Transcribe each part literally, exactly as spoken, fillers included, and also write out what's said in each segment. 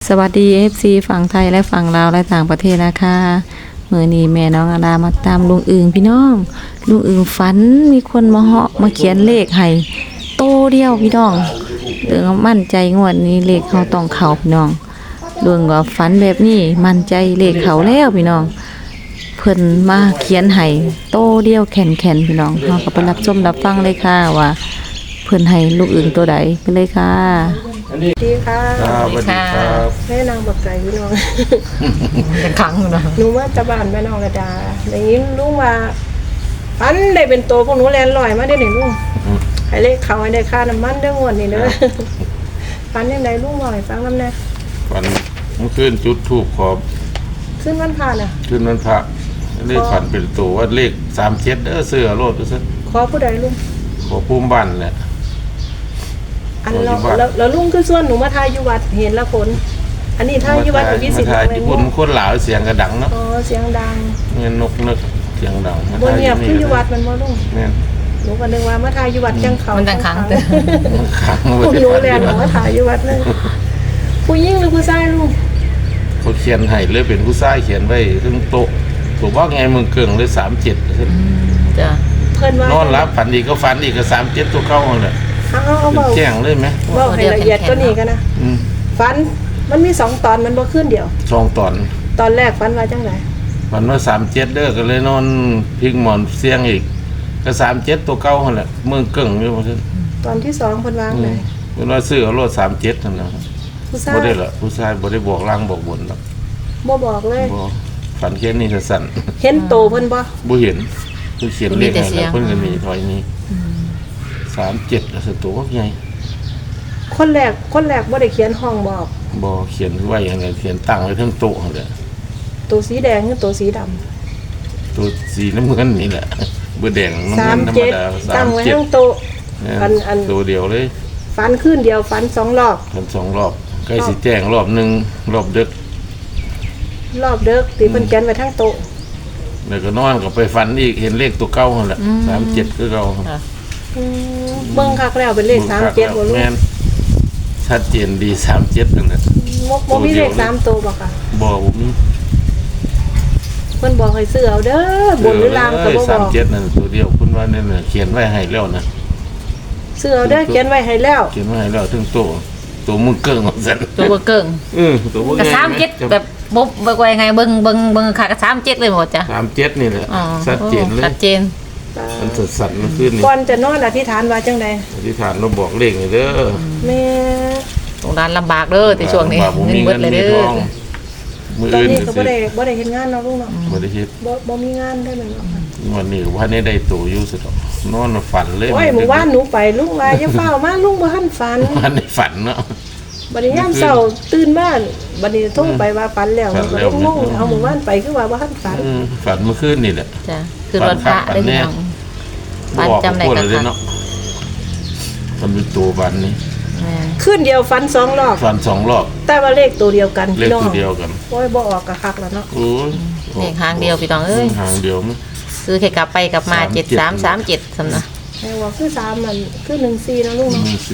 สวัสดี เอฟ ซี ฝั่งไทยและฝั่งลาวและต่างประเทศนะคะมื้อนี้แม่น้องอาดามาตามลุงอึ่งพี่น้องลุงอึ่งฝันมีคนมาเหาะมาเขียนเลขให้โตเดียวพี่น้องเรื่องมั่นใจงวดนี้เลขเขาต้องเข้าพี่น้องเรื่องว่าฝันแบบนี้มั่นใจเลขเขาแล้วพี่น้องเพิ่นมาเขียนให้โตเดียวแข็งๆพี่น้องเฮาก็ไปรับชมรับฟังเลยค่ะว่าเพิ่นให้ลูกอึ่งตัวใดไปเลยค่ะดีค่ะครับสวัสดีครับแม่นางบักไก่พี่น้องเป็นครั้งเนาะหนูมาจากบ้านแม่น้องระดาอย่างนี้ลุงว่าอันได้เป็นโตพวกหนูแลนลอยมาได้หนึ่งลุงให้เลขเขาให้ได้ค่าน้ำมันเด้องวดนี่เด้อฟันยังไงลุงบอกให้ฟังน้ำแน่วันเมื่อคืนจุดทูบขอบขึ้นวันผ่านอ่ะขึ้นวันพระเลขฝันเป็นตัวว่าเลขสามเจ็ดเด้อเสื้อโลดซะขอผู้ใดลุงขอภูมิบ้านแหละอันเราแล้วแล้วลุงคือส่วนหนูมาทายอยู่วัดเห็นละคนอันนี้ทายอยู่วัดอยู่ที่สิบมาถ่ายญี่ปุ่นคนหลาวเสียงกระดังเนาะอ๋อเสียงดังเงินนกนึกเสียงดังบนเงียบคืออยู่วัดมันบ่ลุงแม่นหนูก็นึกว่ามาทายอยู่วัดจังเขามันจังขังเด้อขังพวกหนูแลนหนูมาทายอยู่วัดเลยผู้หญิงหรือผู้ชายลุงเขาเขียนให้เลยเป็นผู้ชายเขียนไว้ถึงโต๊ะตัวว่าไงมึงเกิงเลยสามเจ็ดจ้ะเพิ่นว่านอนรับฝันอีกก็ฝันอีกก็สามเจ็ดตัวเข้าเลยเอาเอาเอาเบาแจ้งเลยไหมเบาให้ละเอียดก็นี่กันนะอืมฟันมันมีสองตอนมันบ่ขึ้นเดียวสองตอนตอนแรกฟันว่าจังไดมันว่าสามเจ็ดเด้อก็เลยนอนพิงหมอนเสียงอีกก็สามเจ็ดตัวเก่าหั่นแหละเมืองเก่งอยู่ว่าซั่นตอนที่สองเพิ่นวางเลยเพิ่นว่าซื้อเอารถสามเจ็ดนั่นน่ะผู้ชายบ่ได้ละผู้ชายบ่ได้บอกล่างบอกบนหรอกบ่บอกเลยบ่ฝันแค่นี้สั่นเห็นโตเพิ่นบ่ๆบ่เห็นคือเขียนเลขให้แล้วเพิ่นก็มีถอยนี้สามเจ็ดแล้วสตัวใหญ่คนแรกคนแรกบ่ได้เขียนห้องบอกบ่เขียนไว้อย่างไรเขียนตั้งไว้เทั้งโต๊ะนั่นแหละตัวสีแดงหรือตัวสีดำตัวสีน้ำเงินนี่แหละบ่แดงน้ำสาเงิมนธรรมเจ็ดดาตั้งไว้สามเจ็ดทั้งโต๊ะเนี่ยอันอันตัวเดียวเลยฟันขึ้นเดียวฟันสองรอบทำสองรอบใกล้สิแจ้งรอบหนึงรอบดึกรอบเด้อที่เพิ่นเขียนไว้ทั้งโต๊ะแล้วก็นอนก็ไปฝันอีกเห็นเลขตัวเก้าหั่นแหละสามเจ็ดคือเก่าอืมเบิ่งคักแล้วเป็นเลขสามเจ็ดบ่ลูกแม่นชัดเจนดีสามเจ็ดนั่นแหละบ่บ่มีเลขสามตัวบ่ค่ะบอกผมเพิ่นบอกให้ซื้อเอาเด้อบนหรือล่างก็บ่บสามอกเจ็ดนั่นตัวเดียวคุณว่าเนี่ยน่ะเขียนไว้ให้แล้วนะซื้อเอาเด้อเขียนไว้ให้แล้วเขียนไว้ให้แล้วถึงตัวตัวมึงเกิ่งของสันตัวบ่เกิ่งเออตัวมึงกระซ้ำเจ็ดแบบบบบ่ว่ายังไงเบิ่งเบิ่งเบิ่งค่ะกระซ้ำเจ็ดเลยหมดจ้ะสามเจ็ดนี่แหละอ๋อชัดเจนเลยชัดเจนมันสดสันมันขึ้นนี่ก่อนจะนอนอธิษฐานว่าจังได๋อธิษฐานเราบอกเลขนี่เด้อแม่ตรงร้านลำบากเด้อในช่วงนี้บ่าผมเงินมีเบิเงิดนเลยมีเด้ทอองมือตอนอื่นนี้ก็ก็สิบ่ได้บ่ได้เฮ็ดงานเนาะลุงเนาะบ่ได้คิดบ่บ่มีงานได้แม่นบ่ค่ะวันนี้ว่านี่ได้ตัวอยู่สุดอกนอนฝันเลยโอ้ยหมู่บ้านหนูไปลุงว่าอย่าเฝ้ามาลุงบ่ทันฝันวันนี้ฝันเนาะบัดนี้ยามเช้าตื่นมาบัดนี้โทรไปว่าฝันแล้วฝันก็แล้วงงเอาหมู่บ้านไปคือว่าบ่ทันฝันเออฝันเมื่อคืนนี่แหละจ้ะคือรถพระได้พี่น้องบ้านจำได้บอกกันเลยค่ะเนาะทำเป็นตัวบันนี้แม่คืนเดียวฝันสองรอบฝันสองรอบแต่ว่าเลขตัวเดียวกันเลขพี่น้องตัวเดียวกันโอ้ยบ่ออกก็คักแล้วเนาะโอ้ยเลขหางเดียวพี่น้องเอ้ยหางเดียวมั้ยซื้อแค่กลับไปกลับมาสามเจ็เจ็ดดสามสามเจ็ดสำนะแม่ว่าคือสามมันคือหนึ่งสี่นะลุงเนาะนี่สิ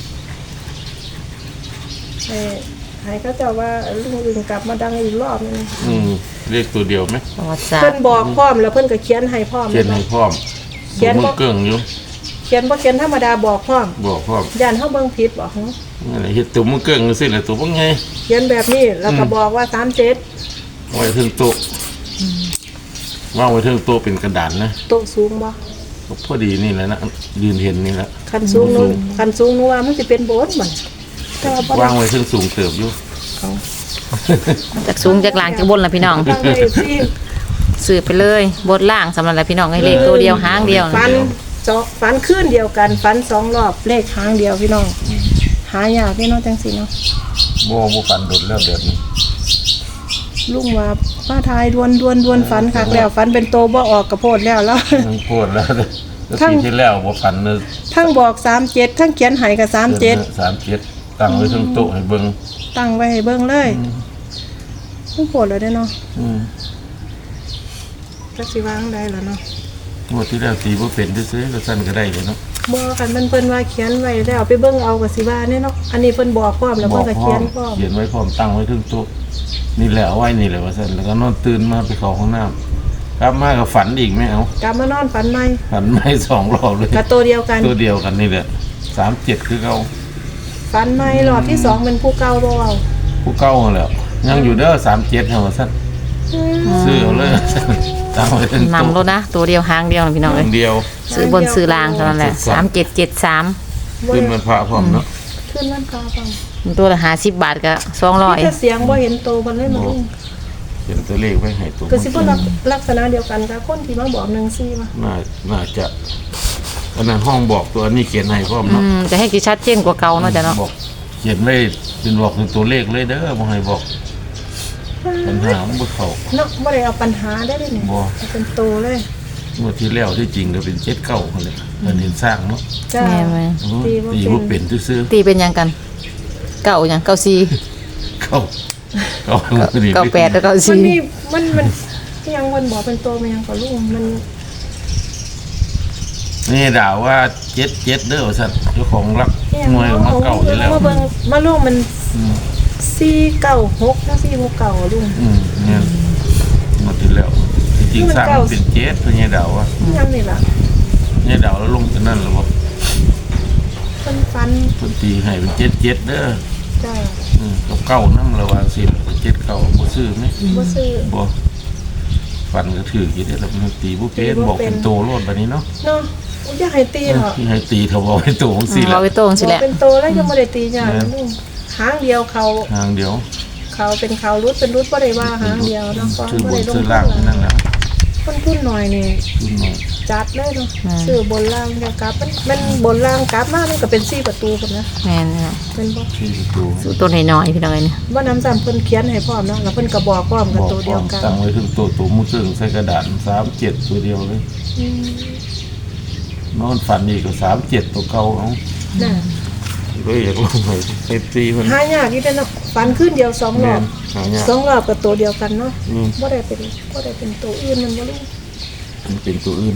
ให้ให้เขาเจ้าว่าลุงอื่นกลับมาดังอีกรอบนึงอืมเลขตัวเดียวไหมประวัติศาสตเพิ่นร์บอกพร้อมแล้วเพิ่นก็เขียนให้พร้อมเขียนให้พร้อมเขียนมึบ่งเกิ่งอยู่เขียนบ่เขียนธรรมดาบอกพร้อมบอกพร้อมย่านเฮาเบิ่งผิดบ่ฮะอะไรเฮ็ดตัวมึงเกิ่งสิแหละตัวบ่ไงเขียนแบบนี้แล้วก็บอกว่าสามเจ็ดไว้ถึงโต๊ะวางไว้ถึงโต๊ะเป็นกระดานนะโต๊ะสูงบ่พอดีนี่แหละนะยืนเห็นนี่แหละคันสูงนู้นคันสูงนู้นว่ามันสิเป็นโบสถ์มันแต่ว่าบ่วางไว้ถึงสูงเติบอยู่เอาจากสูงจากล่างจากบนล่ะพี่น้องฟังได้สิซื้อไปเลยบนล่างสำหรับพี่น้องให้เลขตัวเดียวหางเดียวฟันเจาะฟันคืนเดียวกันฟันสองรอบเลขหางเดียวพี่น้องหายากพี่น้องจังซี่เนาะบ่บ่ฝันดุดแล้วแบบนี้ลุงว่าป้าทายดวนดวนดวนฝันคักแล้วฝันเป็นโตบ่ออกกระโพดแล้วแล้วมันโคตรแล้วทั้งปีที่แล้วบ่ฝันเลยทั้งบอกสามเจ็ดทั้งเขียนให้กับสามเจ็ดสามเจ็ดตั้งไว้ถึงโต๊ะให้เบิ่งตั้งไว้ให้เบิ่งเลยต้องโพดเลยได้อเนาะอืมจักสิวางได้แล้วเนาะงวดที่แล้วตีบ่เป็นซื่อๆก็สั่นก็ได้เลยเนาะงบ่คันมันเพิ่นว่าเขียนไว้แล้วไปเบิ่งเอาก็สิว่าแน่เนาะอันนี้เพิ่นบอกพร้อมแล้วบเพิ่อน กก็พร้เขีอย มนพร้อมเขียนไว้พร้อมตั้งไว้ถึงโต๊ะนี่แหละเอาไว้นี่แหละว่าซั่นแล้วก็นอนตื่นมาไปเข้าห้องน้ำกลับมาก็ฝันอีกไม่เอากลับมานอนฝันใหม่ฝันไม่สองรอบเลยกับตัวเดียวกันตัวเดียวกันนี่แหละสามเจ็ดคือเขาฝันใหม่รอบที่สองเป็นผู้เก่าบ่เว้าผู้เก้าแล้วยังอยู่เด้อสามเจ็ดเหรอสั้นซื้อเอาเลยตามไปถึงนำรถนะตัวเดียวหางเดียวนะพี่น้องอเอ้ยย่างเดียวซื้อบนซื้อล่างเท่านั้นแหละสามเจ็ดเจ็ดสามขึ้นมันพระพร้อมเนาะขึ้นมันกาฟังตัวละห้าสิบบาทก็สองร้อยมีแต่เสียงบ่เห็นโตมันเลยมันลุงเขียนตัวเลขไว้ให้ตัวก็สิบ่ลักลักษณะเดียวกันกับคนที่มาบอกหนึ่งซี่มาน่าน่าจะอันนั้นห้องบอกตัวนี้เขียนให้พร้อมอืเนาะมจะให้กี่ชัดเจนกว่าเก่าเนาะจ้ะเนาะบอกเขียนไว้เป็นบอกเป็นตัวเลขเลยเด้อบ่ให้บอกปัญหามันบ่เข้าเนาะบ่ได้เอาปัญหาได้เลยนี่บ่เอาเป็นโตเลยเมื่อที่แล้วที่จริงก็เป็นเจ็ดเก้าคนเลยอันเห็นสร้างเนาะจ้าแม่นไหมตีบ่ตีเป็บ่นเป็นซื่อตีเป็นยังกัน เก่ายังเก่าซีๆเข้าเข้าเก่าแปดแล้วเก่ามันซีมีมันมันยังมันบอกเป็นโตมันยังก็ลุงมันนี่ด่าว่าเจ็ดเจ็ดเด้อสัตว์เจ้าของรักเนี่ยมวยมาเก่าอยู่แล้วมาเบิ่งมาลุงมันอืมสี่เก้าหกนะสี่หกเก้าลุงอืมเนี่ยหมดที่แล้วจริงๆสร้างมันเป็นเจ็ดเป็นไงด่าว่ายังนี่ล่ะเนี่ยด่าแล้วลงกันนั่นหรอวะเพิ่นฟันต้นตีให้เป็นเจ็ดเจ็ดเด้อจ้าอืมกับเก้านั่ระวังสิเจ็ดเก้าบ่ซื้อไหมบ่ซื้อบ่ฟันก็ถือกี่ได้แล้วมันตีบุเป็ดบอกเป็นโตโลดแบบนี้เนาะเนาะอุ๊ยอยากให้ตีเหรอที่ให้ตีเท่าบอกให้โตของสิแหเราละไปโต้งสิบแหอกละเป็นโตแล้วยังบ่ได้ตีจ้าลุงหางเดียวเขาทางเดียวเขาเป็นเขารุดเป็นรุดบ่ได้ว่าหางเดียวเนาะก็ซื้อบบ่นได้ลงซื้อทุนล่างนั่นแหละต้นทุนหน่อยนี่ซื้อหน่อยจัดเลยเนาะซื้อบนล่างเดียวกลับมันมันบนล่างกลับมามันก็เป็นสี่ประตูพุ่นนะแม่นเนี่ยเป็นบ่ซื้อตัวสู้ตัวน้อยๆพี่น้องเอ้ยเนี่ยบ่น้ำซ้ำเพิ่นเขียนให้พร้อมเนาะแล้วเพิ่นก็บอกพร้อมกับบอกตัวพเดีร้ยอวมกันตั้งไว้ถึงตัวตัวมุซึ่งใส่กระดาษสามเจ็ดตัวเดียวเลยอืมนอนฝันอีกก็สามเจ็ดตัวเก่าเอาน่ะเลยอยากลงไปเซฟตี้เพิ่นหายากอีเด้อเนาะฝันขึ้นเดียวสองรอบหายากสองรอบกับตัวเดียวกันเนาะอืมบ่ได้เป็นบ่ได้เป็นตัวอื่นมันบ่รู้มันเป็นตัวอื่น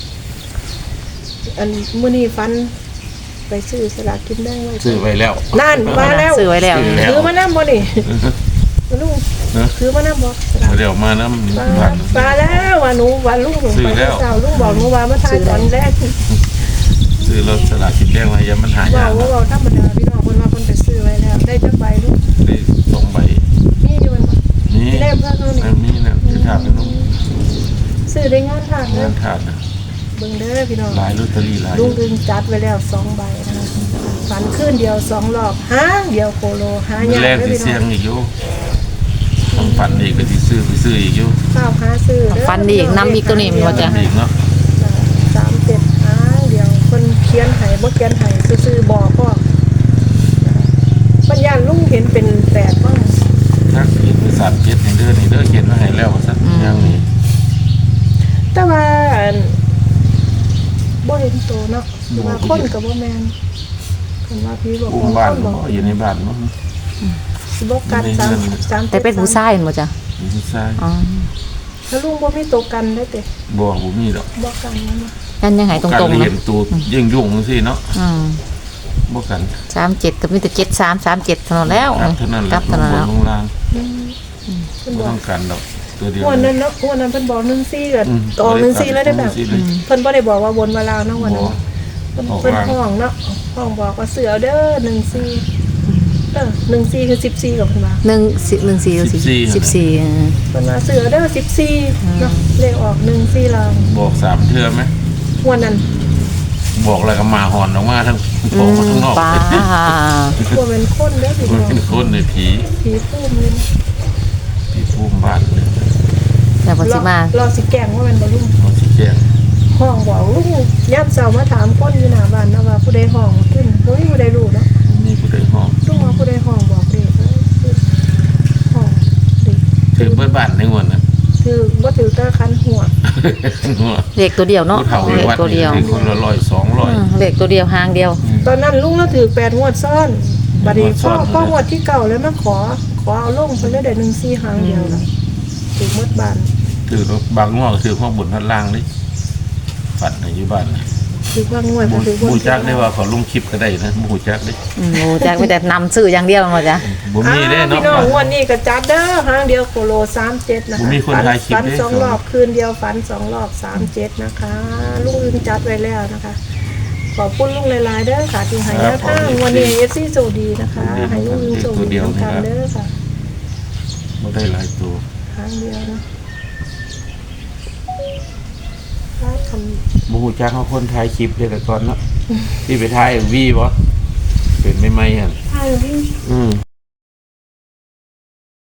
อันมื้อนี้ฝันไปซื้อสลากกินแบ่งไว้ซื้อไว้แล้วนั่นมาแล้วซื้อไว้แล้วซื้อแล้วถือมานำบ่นี่บ่ลุงนะถือมานำบ่สลากเดี๋ยวมาน้ำมาผักมาแล้วว่าหนูว่าลุงหนูซื้อไปแล้วเช้าลุงบอกหนูว่ามาทายตอนแรกซื้อรถสลากกินแดงมายังมันหาบอยาก กว่าเราธรรมดาพี่น้องเพิ่นว่าเพิ่นไปซื้อไว้แล้ว ได้จักใบลูกได้สองใบมีอยู่มันบ่นี่มีได้เพิ่นเอานี่อันนี้นะจะถามเป็นน้องซื้อได้งานทางเด้งาอนถาดนะเบิ่งเด้อพี่น้องลายลอตเตอรี่ลายลุงอึงจัดไว้แล้วสองใบนะคะฝันคืนเดียวสองรอบหางเดียวโคโลหามียากแรกเด้อที่พี่เสียน้อง งอีกอยู่ต้องฝันอีกก็ที่ซื้อไปซื้ออีกอยู่ข้าวหาซื้อเด้อฟันดีอีกน้ำอีกตัวนี้มันว่าจะอีกเนาะสามเจ็ดหางเดียวเพิ่นเขียนให้บ่เขียนให้ซื่อๆบอกพ่อปัญญาลุงเห็นเป็นแปดบ้างถ้าเขียนไปสามเจ็ดในเดือนในเดือนเขียนมาให้แล้วว่าสักอย่างนี้แต่ว่าอันบ่เห็นโตเนาะว่าคนกับบ่แม่นคันว่าพี่บอกอุ้มว่าบ้านคนบอกก็อยู่ในบ้านเนาะสิบ่กันสามสามแต่เป็นผู้ชายเห็นบ่จ้ะอยู่ที่ซ้ายอ๋อแล้วลุงบ่มีโตกันได้เตะบ่บ่มีดอกบ่กันนั่นเนาะกันยังไงตการรงๆเรียเนาะนตัวยิ่งยุ่งสิเนาะอืมบ่กันสามเจ็ดก็มีแต่เจ็ดสามสามเจ็ดเท่านั้นแล้วครับเท่านั้นแหกละลับเท่านั้นลแล้วงบนลงล่างอืมเพิ่นบ่บอต้กองการดอกตัวเดียววันนั้นเนาะวันนั้นเพิ่นบอกหนึ่งสี่ก็อืมออกหนึ่งสี่แล้วได้แบบหนึ่งสี่เลยเพิ่นบ่ได้บอกว่าวนมาลาวเนาะวันนั้นบ่เพิ่นออกเพิ่นลางห้องเนาะห้องบอกว่าเสือเด้อหนึ่งสี่เออหนึ่งสี่คือสิบสี่กับเพิ่นว่าหนึ่งสิหนึ่งสี่ก็สิสิบสี่เออเพิ่นว่าเสือเด้อสิบสี่เนาะเลขออกหนึ่งสี่ลาวบอกสามเทื่อไหมวันนั้นบอกอะไรก็มาหอนออกมาทั้งอืโผล่มมาทั้งนอกป้าบ่แม่นคนเด้อพี่มันน้องเป็นคนในผีผีพุ่มเลยผีภูมิบ้านเลยแต่พอสิมารอสิแกล้งว่าแม่นบ่ลุงเขาสิแจ้งห้องบอกลุงย่ำเช้ามาถามคนอยู่หน้าบ้านนะว่าผู้ใดห้องขึ้นบ่มีผู้ใดรู้เนาะมีผู้ใดห้องลุงว่าผู้ใดห้องบอกเด็กเอ้ยห้องเด็กถือเบิดบ้านในงวดนะถือบ่ถือตาคันหัวเลขตัวเดียวเนาะผู้เฒ่าในเลขวัดตัวนี่เดียวถือคนละร้อยสองร้อยอืมเลขตัวเดียวหางเดียวตอนนั้นลุงเราถือแปดงวดซ้อนบัดนี้งวดซ้พ่ออนพ่องวดที่เก่าเลยมาขอ ขอเอาลงเพิ่นเลยได้หนึ่งสี่หางเดียวล่ะถือหมดบ้านถือบางงวดก็ถือข้างบนข้างล่างนี่ฝันในอยู่บ้านนะคือว่างวดหก็คือมูจักได้ว่าเขาลงคลิปก็ได้นะหมูจักได้อืมโอ้จักไปแต่นำซื้ออย่างเดียวหมดจ้ะบ่มีได้อ่าเนาะพี่น้องงวดนี้ก็จัดเด้อครั้งเดียวโคโลสามเจ็ดนะคะบ่มีคนถ่ายคลิปฝันเด้สองรอบคืนเดียวฝันสองรอบสามเจ็ดนะคะลุงอึงจัดไว้แล้วนะคะ ขอบคุณลุงหลายๆเด้อค่ะที่ให้แนวทางวันนี้เอฟซีโชคดีนะคะให้ลุงอึงโชคดีทั้งกันเด้อค่ะบ่ได้หลายตัวครั้งเดียวนะถ้าทบ่ฮู้จักเขาคนถ่ายคลิปเด้แต่ก่อนเนาะที่ไปถ่าย วีบ่เป็นใหม่ๆหั่นำถ้าวิ่งอืม